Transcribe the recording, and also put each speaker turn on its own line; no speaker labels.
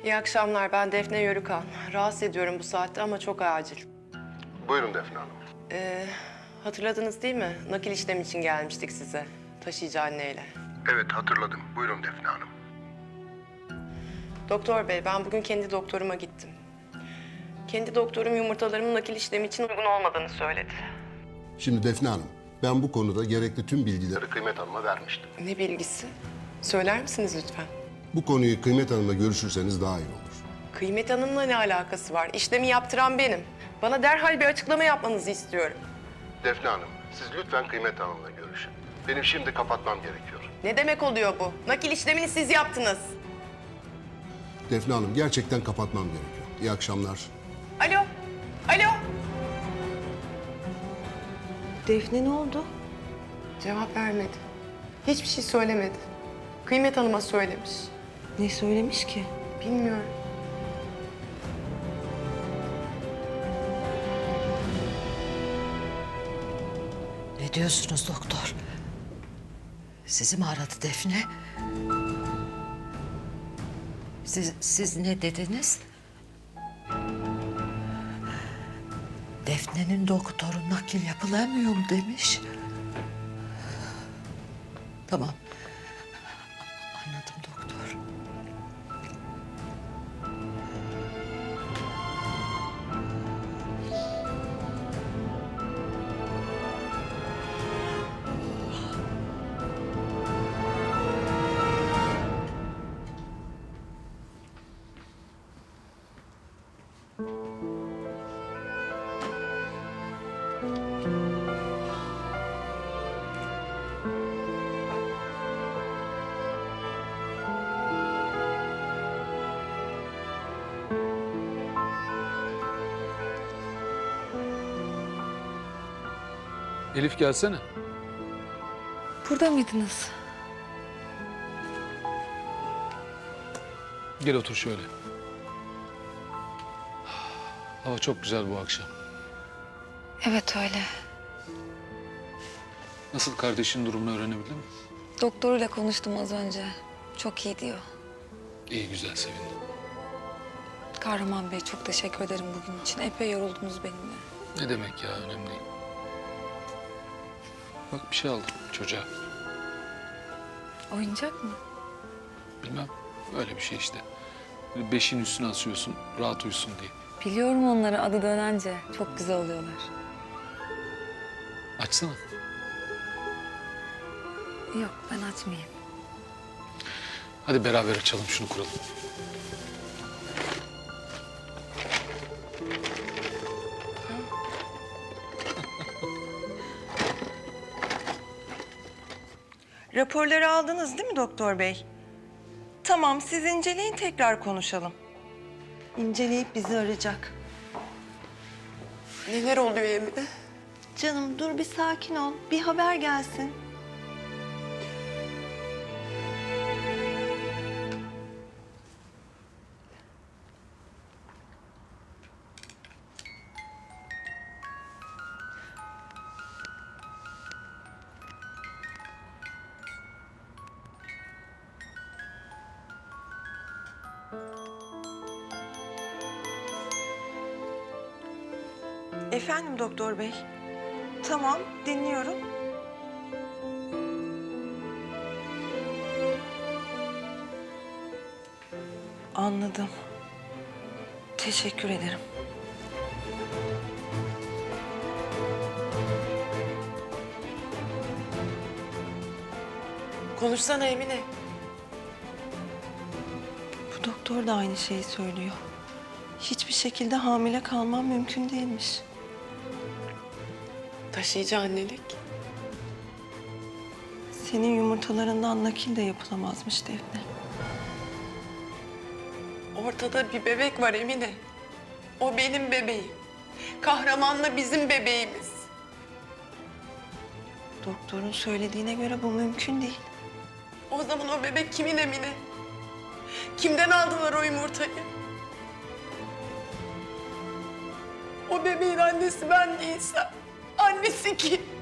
İyi akşamlar. Ben Defne Yörükan. Rahatsız ediyorum bu saatte ama çok acil.
Buyurun Defne Hanım.
Hatırladınız değil mi? Nakil işlemi için gelmiştik size. Taşıyıcı anneyle.
Evet hatırladım. Buyurun Defne Hanım.
Doktor bey, ben bugün kendi doktoruma gittim. Kendi doktorum yumurtalarımın nakil işlemi için uygun olmadığını söyledi.
Şimdi Defne Hanım, ben bu konuda gerekli tüm bilgileri Kıymet Hanım'a vermiştim.
Ne bilgisi? Söyler misiniz lütfen?
Bu konuyu Kıymet Hanım'la görüşürseniz daha iyi olur.
Kıymet Hanım'la ne alakası var? İşlemi yaptıran benim. Bana derhal bir açıklama yapmanızı istiyorum.
Defne Hanım, siz lütfen Kıymet Hanım'la görüşün. Benim şimdi kapatmam gerekiyor.
Ne demek oluyor bu? Nakil işlemini siz yaptınız.
Defne Hanım, gerçekten kapatmam gerekiyor. İyi akşamlar.
Alo? Alo?
Defne ne oldu?
Cevap vermedi. Hiçbir şey söylemedi. Kıymet Hanım'a söylemiş.
Ne söylemiş ki?
Bilmiyorum.
Ne diyorsunuz doktor? Sizi mi aradı Defne? Siz ne dediniz? Defne'nin doktoru nakil yapılamıyor mu demiş. Tamam. Anladım doktor.
Elif gelsene.
Burada mıydınız?
Gel otur şöyle. Hava çok güzel bu akşam.
Evet öyle.
Nasıl, kardeşin durumunu öğrenebildin mi?
Doktoruyla konuştum az önce. Çok iyi diyor.
İyi, güzel, sevindim.
Kahraman Bey çok teşekkür ederim bugün için. Epey yoruldunuz benimle.
Ne demek ya, önemli değil. Bak, bir şey aldım çocuğa.
Oyuncak mı?
Bilmem, öyle bir şey işte. Böyle beşiğin üstüne asıyorsun, rahat uyusun diye.
Biliyorum onları adı dönence. Çok güzel oluyorlar.
Açsana.
Yok ben açmayayım.
Hadi beraber açalım, şunu kuralım.
Raporları aldınız değil mi doktor bey? Tamam, siz inceleyin, tekrar konuşalım. İnceleyip bizi arayacak.
Neler oluyor Emine?
Canım dur bir sakin ol. Bir haber gelsin. Efendim doktor bey. Tamam, dinliyorum. Anladım. Teşekkür ederim.
Konuşsana Emine.
Bu doktor da aynı şeyi söylüyor. Hiçbir şekilde hamile kalmam mümkün değilmiş.
Taşıyıcı annelik.
Senin yumurtalarından nakil de yapılamazmış Defne.
Ortada bir bebek var Emine. O benim bebeğim. Kahramanla bizim bebeğimiz.
Doktorun söylediğine göre bu mümkün değil.
O zaman o bebek kimin Emine? Kimden aldılar o yumurtayı? O bebeğin annesi ben değilsem annesi kim?